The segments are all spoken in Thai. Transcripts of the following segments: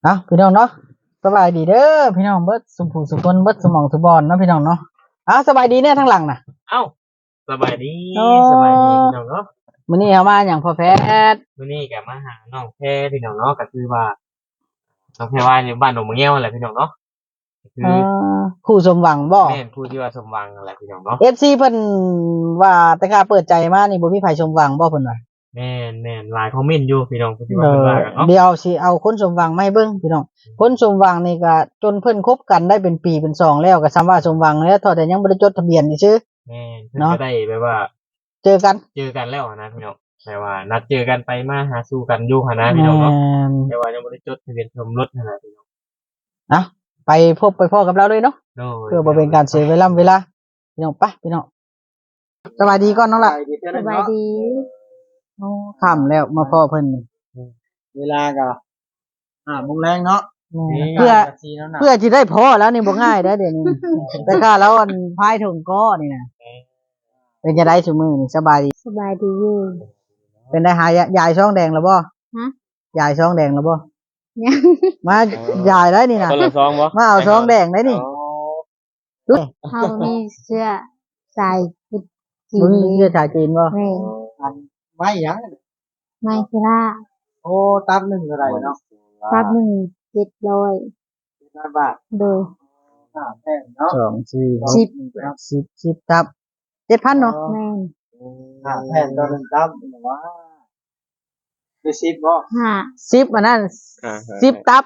พี่น้องเนาะสบายดีเด้อพี่น้องเบิดสุผู้สุคนเบิดสมองสุบอลเนาะพี่น้องเนาะสบายดีเนี่ยทั้งหลังน่ะเอ้าสบายดีโอ้สบายดีพี่น้องเนาะมื้อนี้เฮามาหยังพ่อแพทย์มื้อนี้ก็มาหาน้องแพรพี่น้องเนาะก็คือว่าน้องแพรว่าอยู่บ้านหนองมะเงี้ยวนั่นแหละพี่น้องเนาะก็คืเอ่อคู่สมหวังบ่แม่นผู้ที่ว่าสมหวังนั่นแหละพี่น้องเนาะ FC เพิ่นว่าแต่กล้าเปิดใจมานี่บ่มีไผสมหวังบ่เพิ่นว่าแม่นหลายคอมเมนต์อยู่พี่น้องผู้ที่ว่าเออเพิ่นว่ากันเนาะเดี๋ยวสิเอาคนสมหวังมาให้เบิ่งพี่น้องคนสมหวังนี่ก็จนเพิ่นคบกันได้เป็นปีเป็นสองแล้วก็ซ้ำว่าสมหวังแล้วเท่าแต่ยังบ่ได้จดทะเบียนนี่ซื่อแม่นเพิ่นเนาะก็ได้แบบว่าเจอกันเจอกันแล้วนะพี่น้องแต่ว่านัดเจอกันไปมาหาสู่กันอยู่หั่นนะพี่น้องเนาะแต่ว่ายังบ่ได้จดทะเบียนสมรสนั่นแหละพี่น้องนะไปพบไปพ่อกับเราเลยเนาะโดยเพื่อบ่เป็นการเสียเวลาพี่น้องไปพี่น้องสวัสดีก่อนน้องละสบายดีโอ้ค่ำแล้วมาพ่อเพิ่นเวลาก็โมงแรงเนาะเพื่อสีน้ำหนักเพื่อที่ได้พ่อแล้วนี่บ่ง่ายเด้อเดี๋ยวนี้ แต่ข้าแล้วอันพายถุงก้อนี่นะเป็นจะได้ซุมื้อนี่สบายดีสบายดีอยู่เป็นได้หายายช่องแดงแล้วบ่ฮะยายช่องแดงแล้วบ่ยังมายายได้นี่นะคนละซองบ่มาเอาช่องแดงได้นี่เขามีเสื้อใส่กุดจีมึงเชื่อชาวจีนบ่แม่ไม่ยังไม่คือล่าโอ้ตับหนึ่งอะไรเนาะรับหนึ่ง700 บาทโดยแพงเนาะ2 4 10 10ตับ 7,000เนาะแม่นแพงตัวนึงตับว่าคือ10บ่ 5 10อันนั้น10ตับ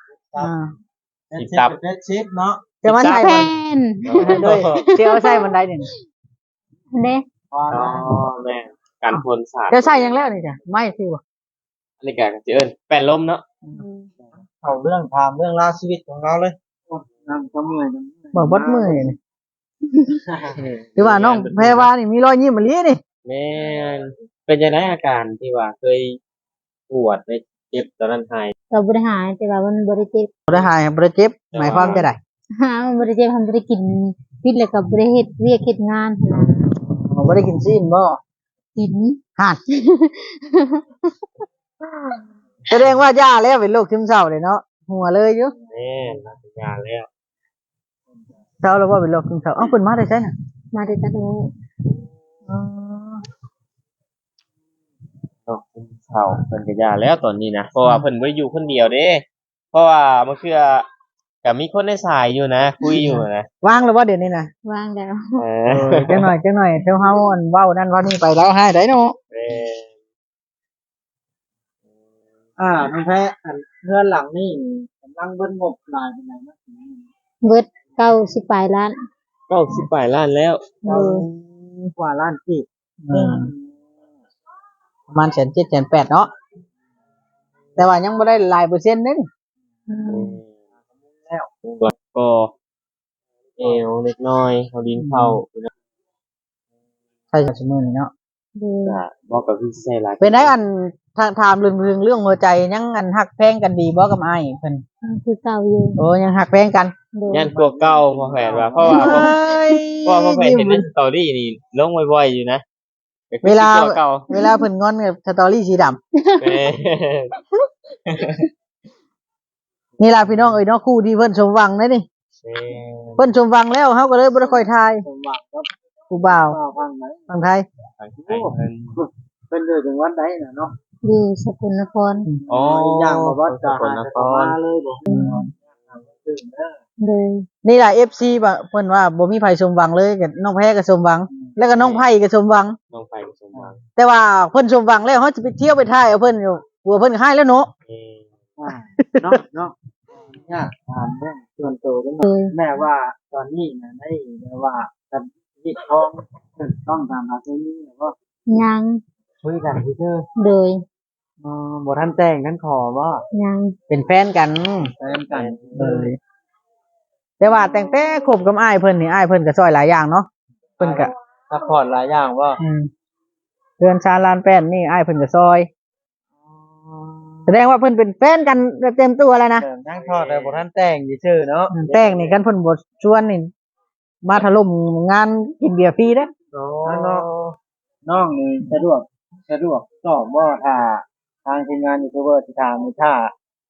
10ตับ 10เนาะจะมาใส่แพมันนด้วยเดี๋ยวใส่มันได้นี่เด้อ๋อแม่นการพ่นสาดจะใส่ยังแล้วนี่จ้ะไม่สิบ่อันนี้ก็สิเอิ้นแป้นลมเนาะเอาเรื่องถามเรื่องราวชีวิตของเราเลยนั่งก็เมื่อยบ่บดเมื่อยนี่คือว่าน้องแพรวานี่มีรอยยิ้มมะลินี่แม่นเป็นจังไดอาการที่ว่าเคยปวดในเจ็บตอนนั้นหายก็บ่ได้หายแต่ว่ามันบ่ได้เจ็บบ่ได้หายบ่ได้เจ็บหมายความจะได้มันบ่ได้เจ็บมันบ่ได้กินพิษแล้วก็บ่ได้เฮ็ดเวียกเฮ็ดงานหั่นน่ะบ่ได้กินซีนบ่กินห่านแสดงว่าย่าแล้วเป็นโรคซึมเศร้าเลยเนาะหัวเลยอยู่แม่นมาถึงงานแล้วเศร้าแล้วว่าเป็นโรคซึมเศร้าเอ้าเพิ่นมาได้ใช่น่ะมาได้ตัดโอ้โรคซึมเศร้าเพิ่นก็ยาแล้วตอนนี้นะเพราะว่าเพิ่นบ่ได้อยู่คนเดียวเด้เพราะว่ามันคือก็มีคนในสายอยู่นะคุยอยู่นะวางแล้วว่าเดี๋ยวนี้น่ะวางแล้วจังหน่อยเดี๋ยวเฮาอันเว้านั่นเว้านี่ไปแล้วให้ได้เนาะแม่นน้องแพ้เรือนหลังนี่กำลังเบิ้ลงบหลายเป็นไงนะเบิด90ปลายล้าน 90ปลายล้านแล้วโดยกว่าล้านที่ประมาณ1.7 1.8เนาะแต่ว่ายังบ่ได้หลายเปอร์เซ็นต์เด้นี่แล้วก็เอวเล็กน้อยเอาดินเข้าใช่ชั่วโมงนี้เนาะโดยก็บ่ก็คือใช้หลายเป็นได้อันถามเรื่องหัวใจยังอันฮักแพงกันดีบ่กับอ้ายเพิ่นคือเก่าอยู่โอ้ยังฮักแพงกันโดยยันกลัวเก่าพอแผนว่าเพราะว่าพอแผนเห็นในสตอรี่นี่ลงบ่อยๆอยู่นะก็คือเวลาสิกลัวเก่าเวลาเพิ่นงอนกับสตอรี่สีดำแม่นี่ล่ะพี่น้องเอ้ยเนาะคู่ที่เพิ่นสมหวังนะนี่แม่เพิ่นสมหวังแล้วเฮาก็เลยบ่ได้ค่อยทายผู้บ่าวฝั่งไทยทางไทยเพิ่นเพิ่นเดินถึงวัดใดน่ะเนาะอยู่สกลนครอ๋ออย่างบ่ว่าจะสกลนครเลยบ่โดยนี่ล่ะ FC บ่เพิ่นว่าบ่มีไผสมหวังเลยก็น้องแพ้ก็สมหวัง แล้วก็น้องไผก็สมหวังน้องไปสมหวังแต่ว่าเพิ่นสมหวังแล้วเฮาจะไปเที่ยวไปท่ายเอาเพิ่นอยู่กลัวเพิ่นหายแล้วเนาะเนาะเนาะยากถามเรื่องส่วนตัวกันโดยแม่ว่าตอนนี้น่ะได้แม่ว่ากันที่ท้องต้องตามหาที่นี่ก็ยังคุยกันซื่อโดยบ่ทันแต่งกันขอบ่ยังเป็นแฟนกันเลยแต่ว่าแต่งแต่คบกับอ้ายเพิ่นนี่อ้ายเพิ่นก็ช่วยหลายอย่างเนาะเพิ่นก็ซัพพอร์ตหลายอย่างบ่เดือนชาลานแป้นนี่อ้ายเพิ่นก็ช่วยแสดงว่าเพิ่นเป็นแฟนกันเต็มตัวแล้วนะนั่งทอดแต่บ่ทันแต่งซื่อเนาะแต่งนี่กันเพิ่นบ่ชวนนี่มาถล่มงานกินเบียร์ฟรีเด้อโอ้น้องนี่สะดวกตอบว่าถ้าทางทีมงานยูทูบเบอร์ที่ถามนี่ถ้า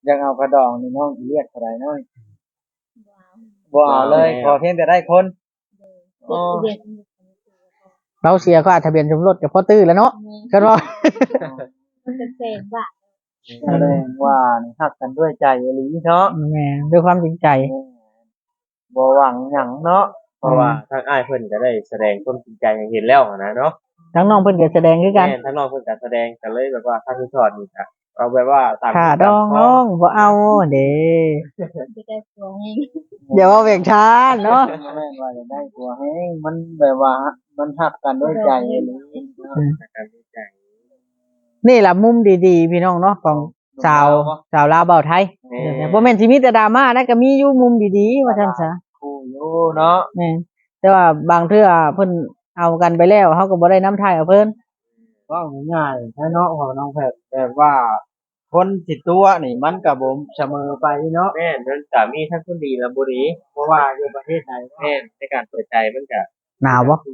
ยังเอากระดองนี่น้องเรียกอะไรน้อยบ่เอาเลยขอเพียงแต่ได้คนโอ้เราเสียค่าทะเบียนสมรสกับพ่อตื้อแล้วเนาะกันว่ามันจะเป็นว่าแสดงว่านี่ฮักกันด้วยใจอีหลีเนาะแหม่ด้วยความจริงใจบ่หวังหยังเนาะเพราะว่าทางอ้ายเพิ่นก็ได้แสดงความจริงใจให้เห็นแล้วนะเนาะทั้งน้องเพิ่นก็แสดงคือกันแม่นทางน้องเพิ่นก็แสดงกันเลยแบบว่าถ้าคือถอดนี่ก็เอาแบบว่าตามค่ะดองน้องบ่เอาเด้จะได้ตัวเองเดี๋ยวเอาเวียงช้าเนาะแม่นว่าจะได้ตัวแห้งมันแบบว่ามันฮักกันด้วยใจอีหลีการดีใจนี่ล่ะมุมดีๆพี่น้องเนาะของสาวลาวเบาไทยบ่แม่นสิมีแต่ดราม่านะก็มีอยู่มุมดีๆว่าซั่นซะคู่อยู่เนาะแม่นแต่ว่าบางเทื่อเพิ่นเอากันไปแล้วเฮาก็บ่ได้น้ำทายเอาเพิ่นว่าง่ายๆถ้าเนาะของน้องแพทย์แบบว่าคนสิตัวนี่มันก็บ่เสมอไปเนาะแม่นมันก็มีทั้งคนดีและบ่ดีเพราะว่าอยู่ประเทศไหนแม่นในการเปิดใจมันก็หนาวบ่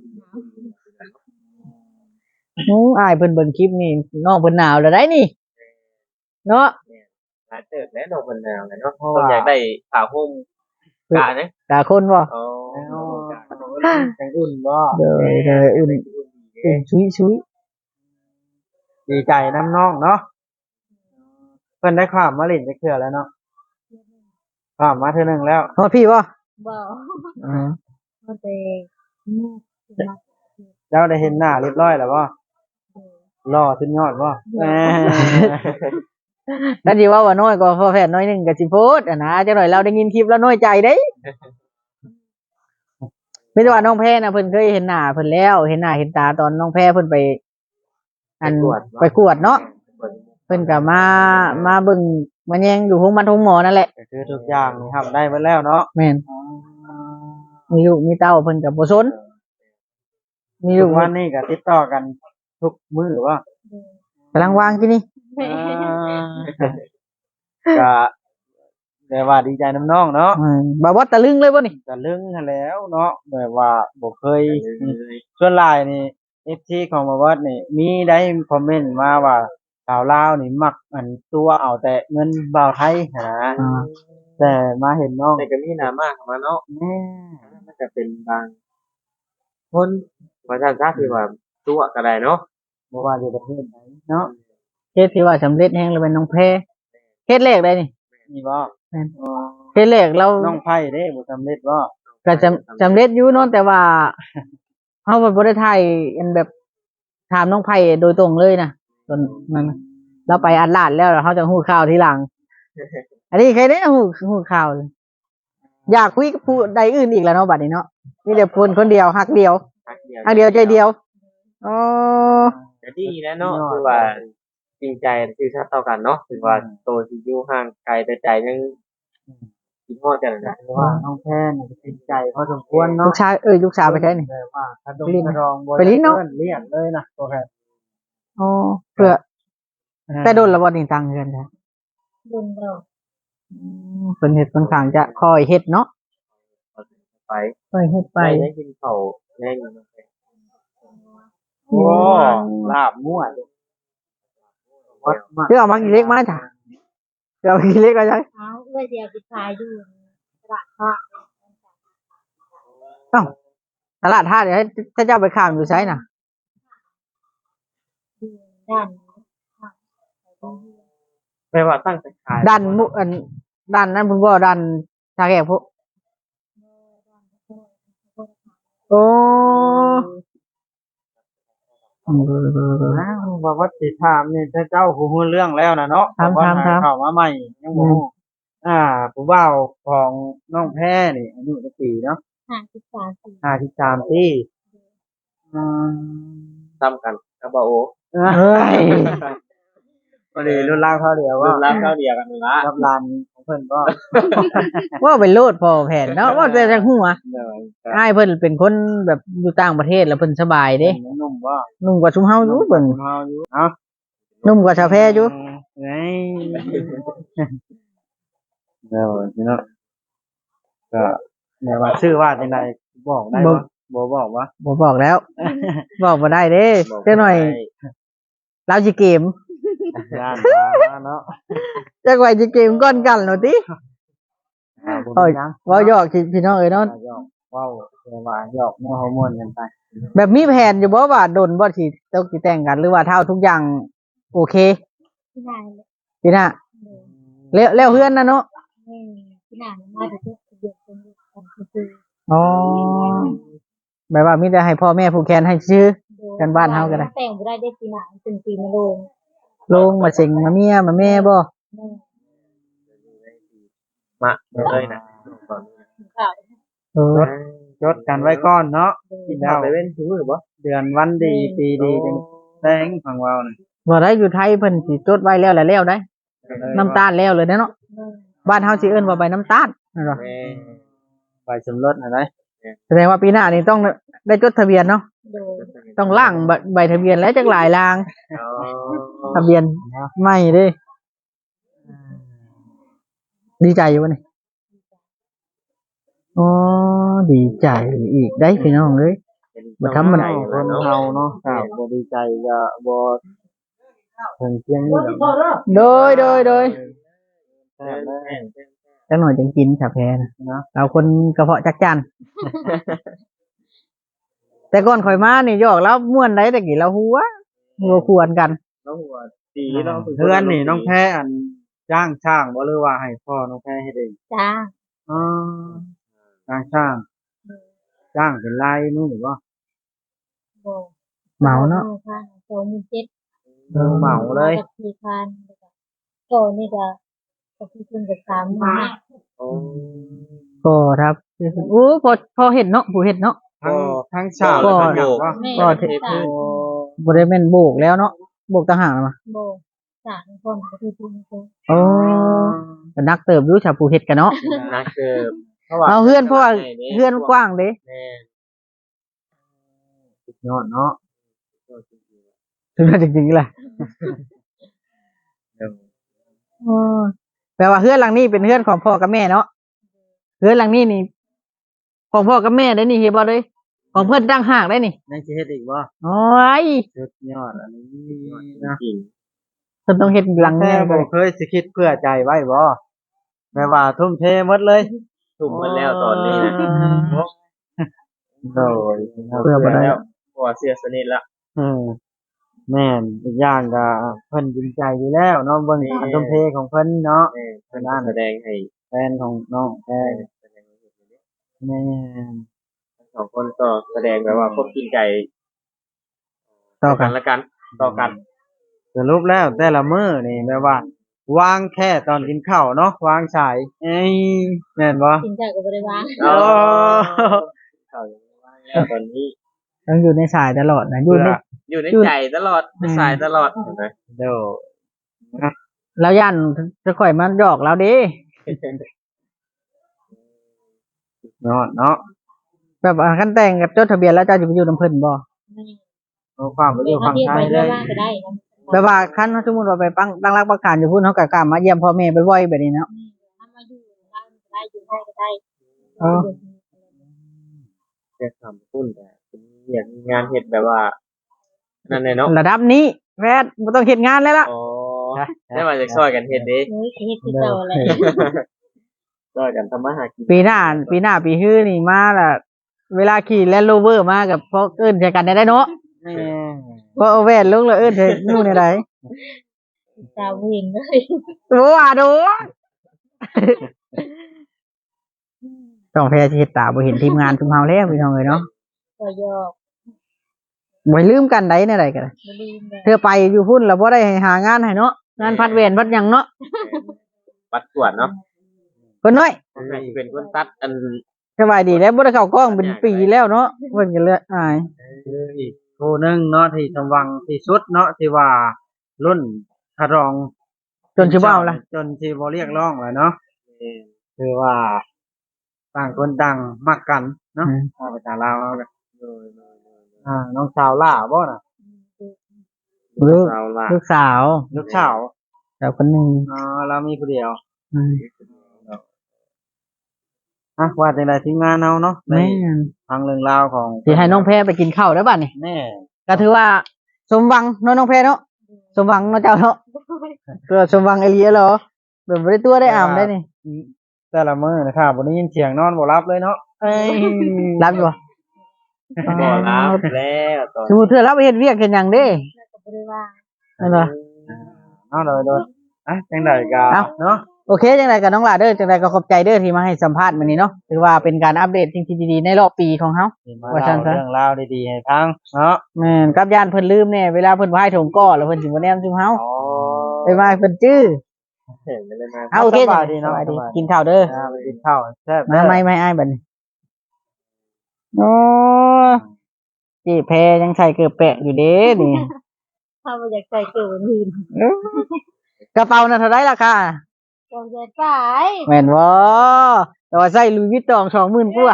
อ้ายเพิ่นเบิ่งคลิปนี่น้องเพิ่นหนาวแล้วได้นี่เนาะหลายเติบแน่นอนเพิ่นแนวเนาะเพิ่นอยากได้ผ้าห่มกะนะตาคนบ่อ๋อจังอุ่นบ่เด้ออุ่นชุยดีใจน้ำน้องเนาะเพิ่นได้ข้ามมาเล่นจักเทื่อแล้วเนาะข้ามมาเทื่อนึงแล้วๆฮอดพี่บ่บอกอือมันเป็นเจ้าได้เห็นหน้าเรียบร้อยแล้วบ่หล่อขึ้นยอดบ่แหมถ้าสิว่าน้อยก็พอแพทย์น้อยหนึงก็สิโพดอ่ะนะจักหน่อยเราได้ยินคลิปแล้วน้อยใจเด้ไม่ได้ว่าน้องแพรน่ะเพิ่นเคยเห็นหน้าเพิ่นแล้วเห็นหน้าเห็นตาตอนน้องแพรเพิ่นไปไปกวดเนาะเพิ่นก็มาเบิ่งมาแยงอยู่โรงพยาบาลทุ่งหมอนั่นแหละก็คือทุกอย่างนี่ทำได้หมดแล้วเนาะแม่นมีลูกมีเต้าเพิ่นก็บ่สนมีทุลูกกวันนี้ก็ติดต่อกันทุกมื้อว่ากำลังวางที่นี่ก็แต่ว่าดีใจน้ำน้องเนาะบ่าวตะลึงเลยบ่นี่ก็ลึงหั้นแล้วเนาะแบบว่าบ่เคยส่วนหลายนี่ FT ของบ่วัดนี่มีได้คอมเมนต์มาว่าสาวลาวนี่มักอันตัวเอาแต่เงินบ่าวไทยหั้นนะแต่มาเห็นน้องแต่ก็มีหน้ามากมาเนาะแม่มันจะเป็นบางคนว่าท่านทราบคือว่าตัวก็ได้เนาะบ่ว่าอยู่ประเทศไหนเนาะเฮ็ดที่ว่าสำเร็จแฮงเลยเป็นน้องแพรเฮ็ดแรกได้นี่นี่บ่แม่น เฮ็ดแรกเราน้องไผ่เด้บ่สำเร็จบ่ก็สำเร็จอยู่เนาะแต่ว่าเฮาบ่ได้ถ่ายอันแบบถามน้องไผโดยตรงเลยนะตอนนั้นน่ะเราไปอัดลาดแล้วเฮาจะฮู้ข่าวทีหลัง อันนี้ใครได้ฮู้ข่าวเลยอยากคุยกับผู้ใดอื่นอีกแล้วเนาะบัดนี้เนาะมีแต่คนเดียวฮักเดียวทักเดียวฮักเดียวใจเดียวอ๋อแต่ดีนะเนาะคือว่าจริงใจคือชาติเท่ากันเนาะคือว่าโตสิอยู่ห่างไกลแต่ใจยังคิดฮอดกันนะเพราะว่าน้องแพนนี่ก็ติดใจพอสมควรลูเนาะกชายลูกสาวไปใช้นี่แบบว่าถ้าดงลิ้นกระดองบ่ไปลิ้นเนาะเลี้ยงเลยนะตัวแพนอ๋อเพื่อแต่โดนละบ่นี่ตังเงินจ้ะบุญเราเพิ่นเฮ็ดค่อนข้างจะคอยเฮ็ดเนาะไปคอยเฮ็ดไปได้กินข้าวแน่นอนโอ้ลาบมั่ววัดมากคือเอามากี่เล็กมาจ้ะคือเอามากี่เล็กมาจ้ะเอาเพื่อเดียวไปขายดูตลาดทอดตลาดท่าเดี๋ยวให้ถ้าเจ้าไปข้ามอยู่ไสน่ะดูด้านแปลว่าตั้งแต่ขายดันมุอันดันนั้นเพิ่นบ่ดันชาแขกพวกโอ้อ้าวว่าวัดสิถามนี่ถ้าเจ้าฮู้เรื่องแล้วนะเนาะถามเข้ามาใหม่ยังบ่ฮู้ผู้บ่าวของน้องแพรนี่อายุจักปีเนาะ 53 ปี 53ปีอืมซ้ำกันกับบ่โอเฮ้ยพอดีรุ่นราวเท่าเดียวรุ่ว่านราวเท่าเดียวกันนั่นละกับหลานของเพิ่นก็ว่าเป็นโลดพอแผ่นเนาะว่าแต่จังหัวเลยอ้ายเพิ่นเป็นคนแบบอยู่ต่างประเทศแล้วเพิ่นสบายเด้นุ่มว่านุ่มกว่าชุมเฮาอยู่เบิ่งเฮาอยู่เอ้านุ่มกว่าชาวแพอยู่ไงเดี๋ยวนี่เนาะก็แม่ว่าชื่อว่าจังไดบอกได้บ่บ่บอกว่าบ่บอกแล้ว บอกบ่ได้เด้จักหน่อยเราสิเกมย่านมาเนาะจักไว้สิเกมก้อนกันเนาะติเอ้ยยังเว้าหยอกพี่น้องเอ้ยเนาะหยอกเว้าแต่ว่าหยอกมัวฮอร์โมนกันไปแบบมีแผนอยู่บ่ว่าดนบ่สิต้องสิแต่งกันหรือว่าเท่าทุกอย่างโอเคที่ไหนเลยพี่น่ะแล้วเฮือนน่ะเนาะที่ไหนมาถึงทุกเดือนเป็นกันคืออ๋อแบบว่ามีแต่ให้พ่อแม่ผูกแขนให้ซื้อ กันบ้านเฮาก็ได้แต่งบ่ได้ได้ปีหน้าเป็นปีมะโรงลงมาเสิงมาเมียมาแม่บ่มาเลยนะข่าวเออจดกันไว้ก่อนเนาะกินข้าวไปเว้นทุกมื้อบ่เดือนวันดีปีดีจังแต่งของเราน่ะบ่ได้อยู่ไทยเพิ่นสิจดไว้แล้วแหละแล้วได้ น้ำตาลแล้วเลยเนาะบ้านเฮาสิเอิ้นว่าใบน้ำตาลนั่นเหรอแม่ไปสมรสอะไรแสดงว่าปีหน้านี่ต้องได้จดทะเบียนเนาะโดยต้องล่างใบทะเบียนแล้วจักหลายลางอ๋อทะเบียนไม่เด้ดีใจอยู่วะนี่อ๋อดีใจอีกได้พี่น้องเอ้ย บ่ธรรมดาคนเฮาเนาะครับบ่ดีใจก็บ่ถึงเพียงนี้หรอกโดยแต่แม่จักหน่อยจังกินชาแพนะเราคนกระเพาะจักจัน แต่ก่อนข่อยมานี่หยอกแล้วม่วนได้แต่กี่เราหัวควรกันน้องหัวดีน้องเพื่อนนี่น้องแพ้อันจ้างช่างบ่หรือว่าให้พ่อน้องแพ้เฮ็ดเองจ้าอ๋อจ้างช่างจ้างเป็นรายมื้อบ่โบเหมาเนาะค่ะ27,000 เหมาเลย 4,000ก็นี่ก็คือคุณกับ3,000 โอ้ก็ครับโอ้พอเห็นเนาะผู้เห็นเนาะทั้งช่างก็ทั้งหยังบ่แม่ก็ก็เทพื้นบ่ได้แม่นโบกแล้วเนาะโบกต่างหากแล้วมาโบ3คนก็คือคุณก็โอ้ก็นักเติบอยู่ชาวผู้เฮ็ดกันเนาะนักเกิบเอาเฮือนเพราะว่าเฮือนกว้างเด้แม่สุดยอดเนาะถึงจริงๆแหละแปลว่าเฮือนหลังนี้เป็นเฮือนของพ่อกับแม่เนาะเฮือนหลังนี้นี่ของพ่อกับแม่ได้นี่เฮ็ดบ่เลยของเพิ่นตั้งหากได้นี่ยังสิเฮ็ดอีกบ่โอ้ยสุดยอดอันนี้นะจริงเพิ่นต้องเฮ็ดหลังแต่แน่บ่เคยสิคิดเพื่อใจไว้บ่แม่ว่าทุ่มเทหมดเลยทุ่มหมดแล้วตอนนี้นะโดยเพื่อบ่ได้แล้วเพราะว่าเสียสนิทละแม่นอีกอย่างก็เพิ่นจริงใจอยู่แล้วเนาะเบิ่งการทุ่มเทของเพิ่นเนาะแม่เพิ่นแสดงให้แฟนของน้องแท้แสดงให้เห็นเลยแม่นทั้งสองคนก็แสดงแบบว่าควบจริงใจต่อกันละกันต่อกันสรุปแล้วแต่ละมื้อนี่แม่ว่า วางแค่ตอนกินข้าวเนาะวางสายเอ้ยแม่นบ่กินจากก็บ่ได้วางอ๋อเข้าอย่างว่าแล้วตอนนี้ต้องอยู่ในสายตลอดนะอยู่ในอยู่ในใจตลอดในสายตลอดเห็นไหมเดี๋ยวแล้วย่านจะข่อยมันหยอกแล้วเด้เนาะเนาะแบบว่าคันแต่งกับจดทะเบียนแล้วเจ้าจะไปอยู่นำเพิ่นบ่เอาความไปอยู่ฝั่งไทยเลยก็ได้แบบว่าคันสมมุติว่าไปตั้งรักประกันอยู่พุ่นเฮาก็กล้ามาเยี่ยมพ่อแม่บ่อยๆแบบนี้เนาะถ้ามาอยู่ได้อยู่ได้ก็ได้แค่ทำพุ่นแต่เป็นอย่างงานเห็ดแบบว่า นั่นเลยเนาะระดับนี้แพทย์บ่ต้องเฮ็ดงานแล้วล่ะอ๋อได้มาจากซอยกันเห็ดเด้เฮ้ยเฮ็ดคือเก่าอะไรซอยกันทำมาหากินปีหน้าปีฮื้อนี่มาล่ะเวลาขี่แลนด์โรเวอร์มากับพวกเอิ้นใส่กันได้เนาะแม่บ่เอาแว่นลงแล้วเอิ้นใส่นู่นได้ตาเห็นเลยโอ้ว่าดูต้องแพ้สิเฮ็ดตาบ่เห็นทีมงานทุกเฮาแล้วพี่น้องเอ้ยเนาะก็ยอกบ่ลืมกันได้แนวใดก็ได้บ่ลืมเลยเธอไปอยู่พุ่นแล้วบ่ได้ให้หางานให้เนาะงานพัดเวรพัดหยังเนาะปัดกวดเนาะเพิ่นน้อยให้เป็นคนตัดอันสบายดีแล้วบ่ได้เข้ากล้องเป็นปีแล้วเนาะเพิ่นก็เลยอายคืออีกคู่หนึงเนาะที่สมหวังที่สุดเนาะที่ว่ารุ่นคารองจนสิบ่เอาล่ะจนที่บ่เรียกร้องแล้วเนาะคือว่าต่างคนต่างมักกันเนาะเอาไปตาลาวเอากันน้องสาวล่าบ่น่ะลูกเราละลูกสาวลูกสาวสาวคนหนึงอ๋อเรามีผู้เดียวอืมว่าจังไดทีมงานเอาเนาะในแม่นทางเรื่องราวของสิให้น้องแพรไปกินข้าวได้อบัดนี้แม่ก็ถือว่าสมหวังเนาะน้องแพรเนาะสมหวังเนาะเจ้าเนาะเพื่อสมหวังไอเลียเหรอแบบบ่ได้ตัวได้อ่ำได้นี่แต่ละมื้อนะครับบ่ได้ยินเสียงนอนบ่หลับเลยเนาะเอ้ยรับอยู่บ่บ่รับแล้วตอนสมมุติเธอรับเฮ็ดเวียกเฮ็ดหยังเด้แล้วก็บ่ได้ว่านั่นเหรอเอาเลยอ่ะจังไดก็เอ้าเนาะโอเคจังไดก็น้องหลาเด้อจังไดก็ขอบใจเด้อที่มาให้สัมภาษณ์มื้อนี้เนาะถือว่าเป็นการอัปเดตสิ่งที่ดีๆในรอบปีของเฮามาว่าเล่าซั่นซะเรื่องราวดีๆให้ฟังเนาะแม่นกับย่านเพิ่นลืมแน่เวลาเพิ่นไหว้ถงก้อแล้วเพิ่นสิบ่แนมซุมเฮาอ๋อไปไหว้เพิ่นจื้อเห็นไปเลยมาเอาโอเคสบายดีเนาะสบายดีสบายดีกินข้าวเด้อไปกินข้าวแซ่บมาไม่อ้ายบัดนี้โอ้จีแพยังใส่เกือบแปะอยู่เด้นี่ถ้าบ่อยากใส่เกินอื่นกระเป๋าน่ะเท่าไรราคาก็จะไปแม่นบ่แต่ว่าใส่ลุยวิตตอง20,000กว่า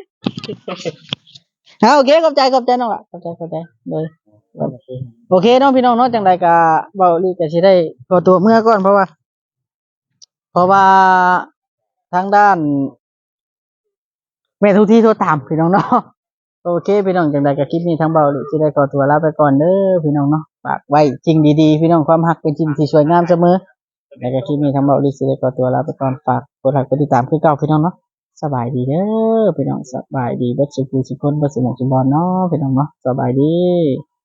เอาโอเคขอบใจน้องล่ะขอบใจเลยโอเคน้องพี่น้องเนาะจังใดก็เว้าลีก็สิได้ขอตัวเมื่อก่อนเพราะว่าทางด้านแม่ทุกที่โทรตามพี่น้องเนาะโอเคพี่น้องจังใดก็คลิปนี้ทางเบาลีสิได้ขอตัวลาไปก่อนเด้อพี่น้องเนาะฝากไว้จริงดีๆพี่น้องความรักเป็นสิ่งที่สวยงามเสมอแล้วก็คลิปนี้ทางเบาลีสิได้ขอตัวลาไปก่อนฝากกดไลค์กดติดตามคือเก่าพี่น้องเนาะสบายดีเด้อพี่น้องสบายดีเบิดสุขสุขคนเบิดสมองสมบัติเนาะพี่น้องเนาะสบายดี